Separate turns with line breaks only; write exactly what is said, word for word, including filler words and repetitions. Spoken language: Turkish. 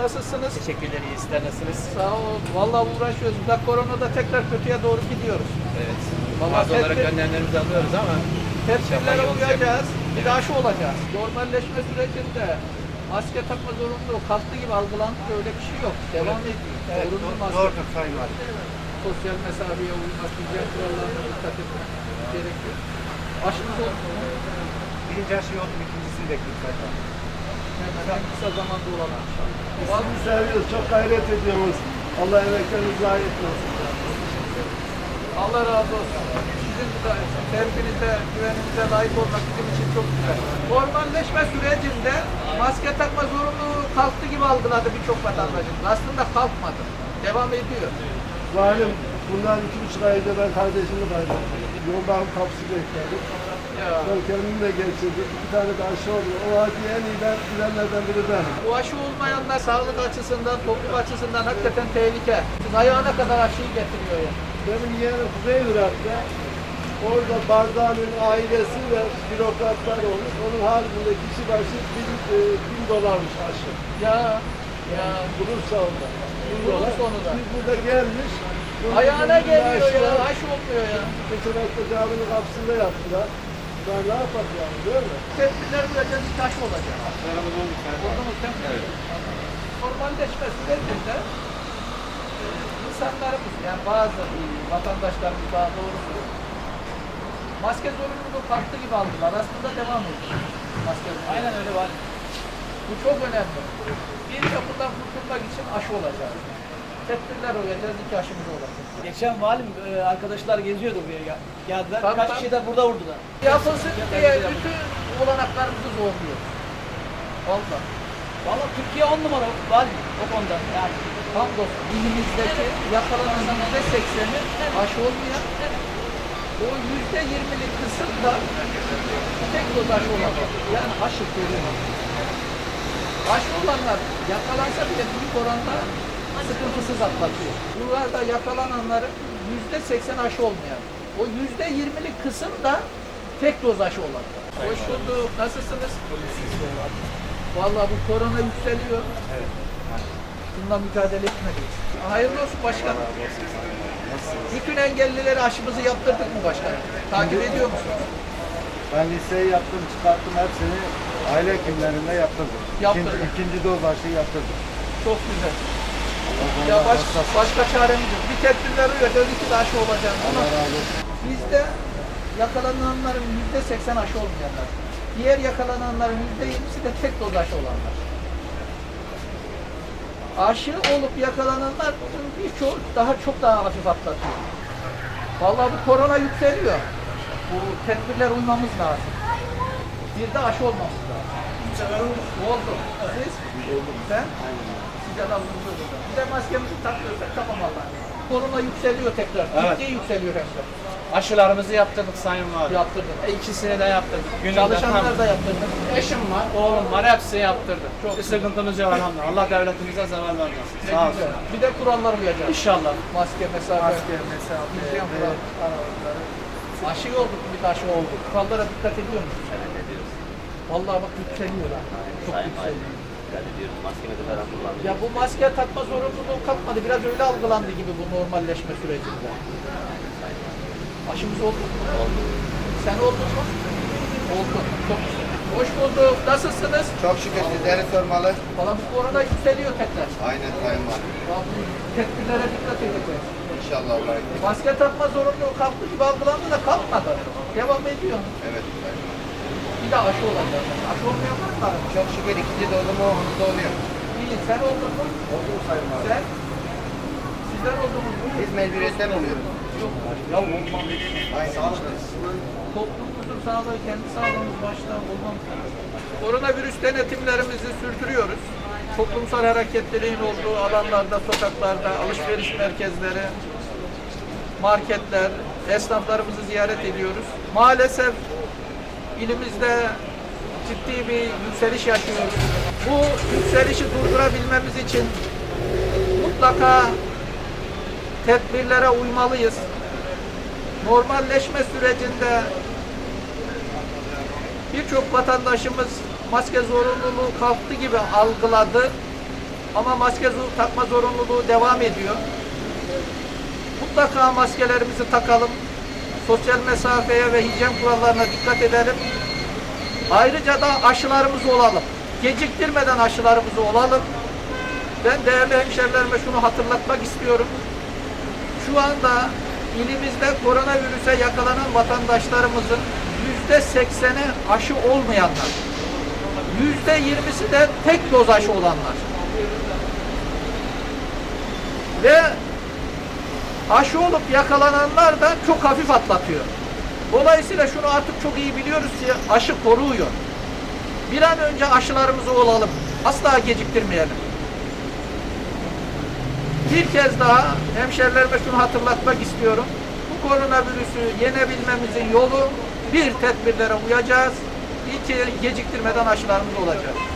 Nasılsınız?
Teşekkürler, iyi. Sizler nasılsınız?
Sağ ol. Vallahi uğraşıyoruz. Da koronada tekrar kötüye doğru gidiyoruz.
Evet.
Vallahi
Bazı olarak
tedbir-
önlemlerimizi alıyoruz ama
Tedbirlere
yolumuz
uyacağız.
yok.
Bir de aşı olacağız. Normalleşme sürecinde maske takma zorunluluğu kalktı gibi algılandı. Öyle bir şey yok. Devam ediyor. Zorunlu maske.
Doğrudur Sayın Valim.
Sosyal mesafeye uymak, hijyen kurallarına dikkat etmek gerekiyor. Aşımız oldu mu?
Birinci aşı oldu, ikincisini bekliyoruz Sayın Valim.
Hemen en kısa zamanda olalım inşallah.
Sizi seviyoruz, çok gayret ediyoruz. Allah emeklerinizi zayi etmesin.
Allah razı olsun. Sizin de sevginize, güveninize layık olmak bizim için çok güzel. Normalleşme sürecinde maske takma zorunluluğu kalktı gibi algıladı birçok vatandaşımız. Aslında kalkmadı. Devam ediyor.
Valim, bundan iki buçuk ay önce ben kardeşimi kaybettim. Yoldan kapısı bekledim.
Ya.
Ben kendim de geçirdim. Bir tane de aşı oldu. O acıyı en iyi ben bilenlerden biri benim.
Bu aşı olmayanlar sağlık açısından, toplum açısından hakikaten tehlike. Ayağına kadar aşıyı getiriyor ya.
Benim yeğenim Kuzey Irak'ta. Orada Barzani'nin ailesi ve bürokratlar olmuş. Onun haricinde kişi başı bin, e, bin dolarmış aşı.
Ya, ya.
Bulursa onda. Bin
Bulursa
dolar.
onu da.
Biz burada gelmiş. bunun
Ayağına
bir
geliyor
aşı
ya,
var.
aşı olmuyor ya.
Geçenekte caminin kapısında yaptılar. Ben ne yapalım yani, değil mi?
Tedbirler uyacağız, bir taş olacak.
Aşılarımız oldu Sayın Valim.
Oldunuz değil mi? Evet. Normalleşme sürecinde e, insanlarımız, yani bazı e, vatandaşlarımız daha doğrusu maske zorunluluğu kalktı gibi aldılar. Aslında devam ediyor. Maske zorunluluğu.
aynen öyle var.
Bu çok önemli. Bir de bundan kurtulmak için aşı olacak. Tedbirler uyacağız, iki aşımız olacak.
Geçen valim e, arkadaşlar geziyordu buraya gel- geldiler.
Tabii,
Kaç
tabii.
kişi de burada vurdular.
Yapılsın diye bütün olanaklarımızı zorluyor. Vallahi.
Valla Türkiye on numara valim o konuda. Yani
Hamdolsun ilimizdeki yakalananın yüzde sekseni aşı olmayan, o yüzde yirmilik kısım da tek doz aşı olacak. Yani aşı koruma. Aşı olanlar yakalansa bile büyük oranda sıkıntısız atlatıyor. Buralarda yakalananların yüzde seksen aşı olmayan, o yüzde yirmilik kısım da tek doz aşı olan. Hoş bulduk. Nasılsınız? Vallahi bu korona yükseliyor.
Evet.
Bununla mücadele etmeliyiz. Hayırlı olsun başkanım. Bütün engellilere aşımızı yaptırdık mı başkanım? Takip ediyor musunuz?
Ben liseyi yaptım, çıkarttım hepsini aile hekimlerinde yaptırdım.
Yaptırdın.
İkinci, ikinci doz aşıyı yaptırdım.
Çok güzel. Ya baş, başka çaremiz yok. Bir tedbirler uyacağız, iki de aşı olacak. Ama
Allah razı olsun.
bizde yakalananların yüzde seksen aşı olmayanlar. Diğer yakalananların yüzde yirmisi de tek doz aşı olanlar. Aşı olup yakalananlar birçoğu daha çok daha hafif atlatıyor. Vallahi bu korona yükseliyor. Bu tedbirler uymamız lazım. Bir de aşı olmamız lazım. Oldu. Siz? Sen? Size de alındı. Bir de maskemizi takıyorsak tamam Allah'ım. Korona yükseliyor tekrar.
Evet.
Ciddi yükseliyor hem de.
aşılarımızı yaptırdık Sayın Valim.
Yaptırdım.
E, ikisini de yaptırdık. Gününde
Çalışanlar
tam-
da yaptırdım.
Eşim var, oğlum var, hepsi yaptırdı.
Çok
Bir
güzel.
sıkıntımız yok elhamdülillah. Allah devletimize zeval vermesin.
Ne
Sağ
güzel.
olsun.
Bir de kurallar uyacağız.
İnşallah.
Maske, mesafe.
Maske, mesafe,
hijyen
evet.
kural- aralıkları. Aşı olduk, bir de aşı olduk. Kurallara dikkat ediyor musun? Vallahi bak yükseliyor ha. Çok yükseliyor. Ya bu maske takma zorunluluğu kalkmadı. Biraz öyle algılandı gibi bu normalleşme sürecinde. Aşımız oldu mu? Oldu. Sen oldun mu? Oldu. Çok güzel. Hoş bulduk. Nasılsınız?
Çok şükür sizleri sormalı.
Valla bu korona yükseliyor tekrar.
Aynen Sayın Valim.
Vallahi tedbirlere dikkat edeceğiz.
İnşallah Allah'a emanet.
Maske takma zorunluluğu kalktı gibi algılandı da kalkmadı. Devam ediyor.
Evet Sayın Valim.
Bir de aşı olacak. Aşı olmayan var mı?
Çok şükür ikinci dozumu oğlumuzda oluyor.
İyi. Sen oldun mu?
Oldu mu Sayın Valim?
Sen? Sizler oldunuz mu?
Biz mecburiyetten oluyoruz.
Yok. Ya olmam.
Aynen işte.
Toplumumuzun sağlığı, kendi sağlığımız başta olmamız lazım. Koronavirüs denetimlerimizi sürdürüyoruz. Toplumsal hareketliliğin olduğu alanlarda, sokaklarda, alışveriş merkezleri, marketler, esnaflarımızı ziyaret ediyoruz. Maalesef ilimizde ciddi bir yükseliş yaşıyoruz. Bu yükselişi durdurabilmemiz için mutlaka tedbirlere uymalıyız. Normalleşme sürecinde birçok vatandaşımız maske zorunluluğu kalktı gibi algıladı. Ama maske zo- takma zorunluluğu devam ediyor. Mutlaka maskelerimizi takalım. Sosyal mesafeye ve hijyen kurallarına dikkat edelim. Ayrıca da aşılarımızı olalım. Geciktirmeden aşılarımızı olalım. Ben değerli hemşerilerime şunu hatırlatmak istiyorum. Şu anda ilimizde koronavirüse yakalanan vatandaşlarımızın yüzde sekseni aşı olmayanlar. Yüzde yirmisi de tek doz aşı olanlar. Ve aşı olup yakalananlar da çok hafif atlatıyor. Dolayısıyla şunu artık çok iyi biliyoruz ki aşı koruyor. Bir an önce aşılarımızı olalım. Asla geciktirmeyelim. Bir kez daha hemşerilerime şunu hatırlatmak istiyorum. Bu koronavirüsü yenebilmemizin yolu bir, tedbirlere uyacağız. İki, geciktirmeden aşılarımız olacak.